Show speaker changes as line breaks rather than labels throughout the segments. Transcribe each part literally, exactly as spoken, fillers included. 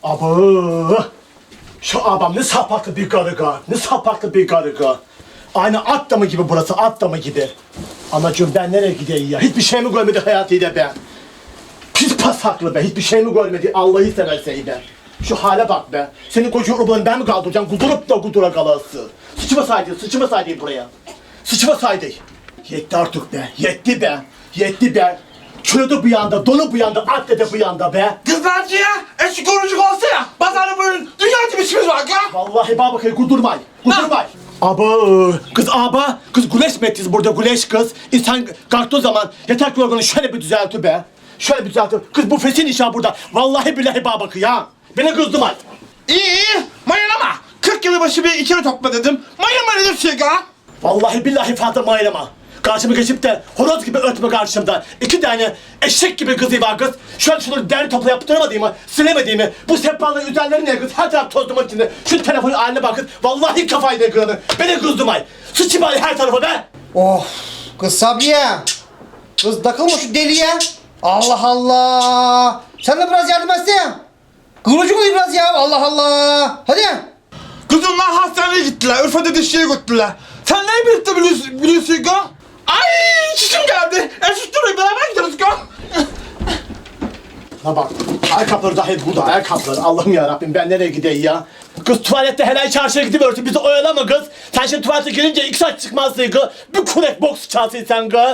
Abo! Şu abam ne sapaklı bir karıga, ne sapaklı bir karıga. Aynı at damı gibi burası, at damı gibi. Anacığım ben nereye gideyim ya? Hiçbir şey mi görmedi hayatıyla ben? Pis pasaklı be, hiçbir şey mi görmedi Allah'ı seversen be. Şu hale bak be. Senin koca oğlanı ben mi kaldıracağım? Kudurup da kudura kalası. Sıçmasaydı, sıçmasaydı buraya. Sıçmasaydı. Yetti artık be, yetti be, yetti be. Çürüdü bu yanda, dolu bu yanda, at dedi bu yanda be.
Kızlarcı ya, eski korucuk olsa ya, pazarda böyle dünya gibi işimiz var ya.
Vallahi bak bakayım, kudurmay, kudurmay. Aba, kız aba, kız güleş mi ettiniz burada, güleş kız. İnsan kalktığı zaman yatak yorganı şöyle bir düzeltir be. Şöyle bir düzeltir. Kız bu fesin işi burada. Vallahi billahi bak bakayım ya. Beni kızdım ay.
İyi iyi, mayalama. kırk yılı başı bir ikili topla dedim. Mayalama dedim şey ya.
Vallahi billahi fazla mayrama. Karşıma geçip de horoz gibi örtme karşımda. İki tane eşek gibi kızı var kız. Şöyle şunu derli topla yaptıramadığımı, silemediğimi, bu sehpaların üzerleri ne kız? Her taraf toz duman içinde. Şu telefonu haline bakın. Vallahi kafayı da kırdı. Beni kızdım ay. Sıçı bari her tarafa be.
Oh kız Sabriye. Kız takılma şu deliye. Allah Allah. Sen de biraz yardım etsene. Kıvırcık oluyor biraz ya. Allah Allah. Hadi.
Kızımlar hastaneye gittiler, Urfa'da dişçiye götürdüler. Sen neyi birlikte biliyorsun, biliyorsun ya? Ay çişim geldi. Eşit durayım, beraber gideriz ya.
Ha bak, ayakkabıları da hep burada, ayakkabıları. Allah'ım yarabbim, ben nereye gideyim ya? Kız tuvalette helal çarşıya gidiyorsun, bizi oyalama kız. Sen şimdi tuvalete girince iki saat çıkmazsın kız. Bir kurek boks çalsın sen kız.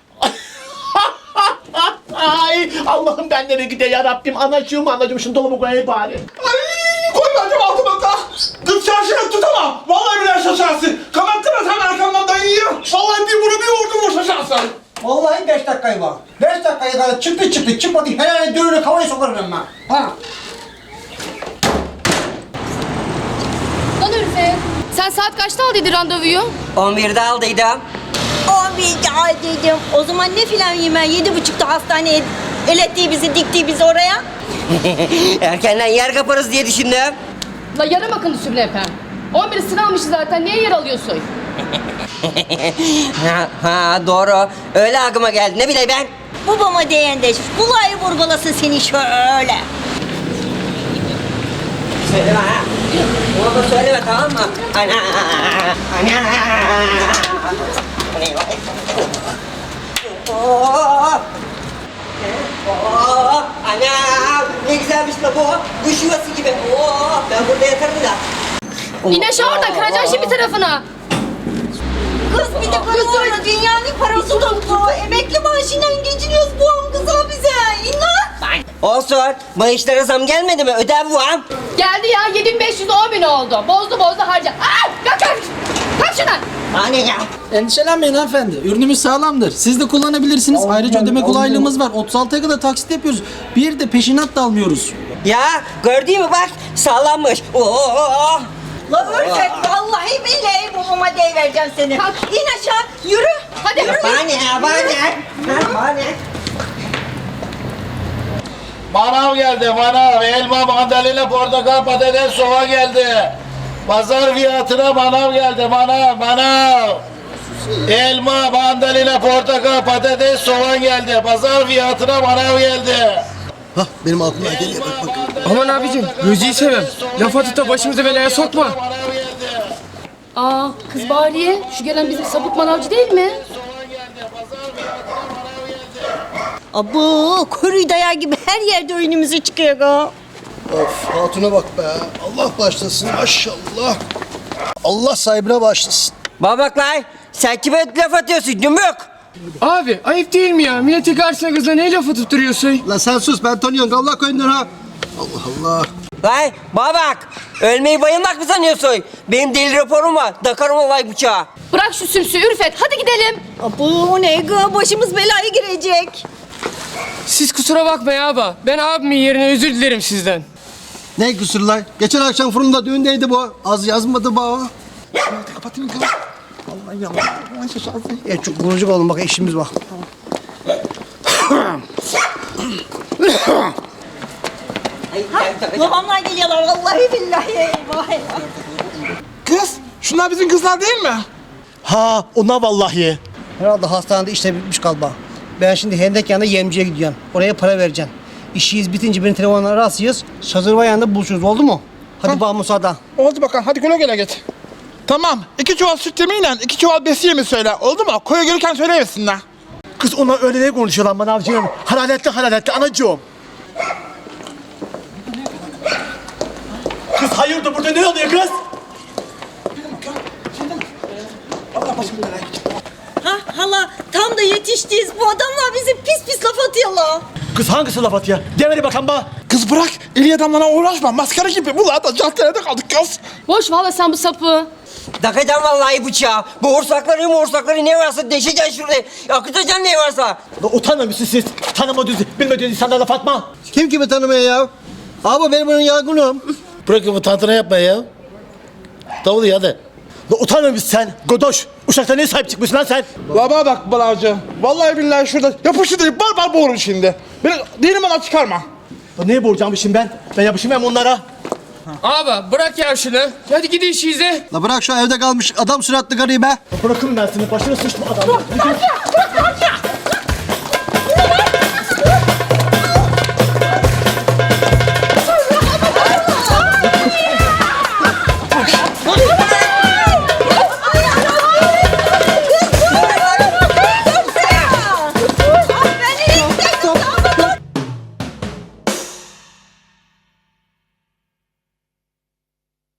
Ay Allah'ım ben nereye gideyim yarabbim, anacığım anacığım, şunu dolaba koyayım bari.
Ay koymayacağım altıma da. Kız çarşıya tutamam. Vallahi billahi şaşarsın. Kapattırma sen arkamdan dayıyı. Vallahi bir bunu bir vurdum o şaşarsın.
Vallahi beş dakikayı var. Beş dakikaya kadar çıktı çıktı çıkmadı. Herhalde dönüne kavayı sokarım ben. Ha.
Lan Ülfe, sen saat kaçta aldıydı randevuyu?
on birde aldıydım.
on birde aldıydım. O zaman ne filan yemen? Yedi buçukta hastaneye elettiği bizi, diktiği bizi oraya.
Erkenden yer kaparız diye düşündüm.
La yarım akıllı Sübnepe. on biri sıra almışız zaten, niye yer alıyorsun?
ha, ha doğru. Öyle aklıma geldi. Ne bileyim ben.
Babama değendeş. Bulayı vurgulasın seni şöyle.
Söyleme ha. Ona da söyleme tamam mı? Ana. Ana. Oh. Oh. Ana. Ne güzelmiş la bu. Kuş yuvası gibi. Oh. Ben burada yatarım da.
İn aşağı oradan, kıracaksın şimdi tarafına.
Kız bir de karılarla dünyanın parası tuttu. Emekli maaşıyla geçiniyoruz bu an kızım bize. İnan.
Olsun. Maaşlara zam gelmedi mi? Ödev var.
Geldi ya, yedi bin beş yüz on bin oldu. Bozdu bozdu harca. Aa, kalk kalk. Kalk şuradan.
Anne ya.
Endişelenmeyin hanımefendi. Ürünümüz sağlamdır. Siz de kullanabilirsiniz. Ayrıca ödeme kolaylığımız var. otuz altıya kadar taksit yapıyoruz. Bir de peşinat da almıyoruz.
Ya gördün mü bak sağlammış. Oo.
La Ürfet vallahi billahi babama deyivereceğim seni.
Kalk.
İn aşağı yürü.
Hadi.
Yürü.
Bana ne ya bana ne? Ha, bana ne?
Manav geldi manav. Elma, mandalina, portakal, patates, soğan geldi. Pazar fiyatına manav geldi manav manav. Elma, mandalina, portakal, patates, soğan geldi. Pazar fiyatına manav geldi.
Hah benim aklıma geliyor bak bak.
Aman abicim, gözünü seveyim. Lafa tuta başımızı belaya sokma.
Aa, kız Bahriye, şu gelen bizim sapık manavcı değil mi?
Abo kuru dayağı gibi her yerde önümüze çıkıyor ga.
Of hatuna bak be. Allah başlasın maşallah. Allah sahibine başlasın.
Bana bak lan sen kime laf atıyorsun cümbük?
Abi ayıp değil mi ya? Milletin karşısına kızla ne laf atıp duruyorsun?
La sen sus ben tanıyorum. Allah koyundan ha. Allah Allah.
Lan bana bak ölmeyi bayılmak mı sanıyorsun? Benim deli raporum var takarım olay bıçağı.
Bırak şu sümsüğü Ürfet, hadi gidelim.
Abo ne ga başımız belaya girecek.
Siz kusura bakmayın abi. Ben abimin yerine özür dilerim sizden.
Ne kusurlar? Geçen akşam fırında düğündeydi bu. Az yazmadı bu. Hadi kapatayım kız. Vallahi yalan. Vallahi şaşarsın. E çok kurucuk olun bak işimiz var.
Babamlar geliyorlar vallahi billahi eyvah eyvah.
Kız, şunlar bizim kızlar değil mi?
Ha ona vallahi.
Herhalde hastanede işte bitmiş galiba. Ben şimdi hendek yanında yemciye gidiyorum. Oraya para vereceğim. İşimiz bitince beni telefonla arasıyız. Şazırva yanında buluşuruz oldu mu? Hadi bana müsaade.
Oldu bakalım hadi güle güle git. Tamam iki çuval süt yemeğiyle iki çuval besi yemeği söyle oldu mu? Koya gelirken söyleyemesinler.
Kız onlar öyle ne konuşuyor lan manavcığım? Hararetli hararetli anacığım. Kız hayırdır burada ne oluyor kız?
Ha hala tam da yetiştiyiz. Bu adamlar bize pis pis laf atıyorlar.
Kız hangisi laf atıyor? Demeli bakan ba.
Kız bırak eli adamlara uğraşma maskara gibi. Bunlar da caddede kaldık kız.
Boş valla sen bu sapı.
Dakacağım vallahi bıçağı. Bu orsakları morsakları ne varsa deşeceksin şurada. Akıtacaksın ne varsa.
La utanmıyor musunuz siz? Tanımadığınız, bilmediğiniz insanlara laf atma.
Kim kimi tanımıyor ya? Abi ben bunun yargınım.
Bırakın bu tantana yapma ya. Davul ya hadi.
La utanmıyor musun sen? Godoş, uşakta niye sahip çıkmışsın lan sen?
La bana bak balavcı. Vallahi billahi şurada yapışı deyip bar bar boğurum şimdi. Beni değilim bana çıkarma.
La neye borcam şimdi ben? Ben yapışayım hem onlara.
Abi bırak ya şunu. Hadi gidin işinize.
La bırak şu evde kalmış adam suratlı garip be.
La bırakın ben seni, başına sıçtım adamı.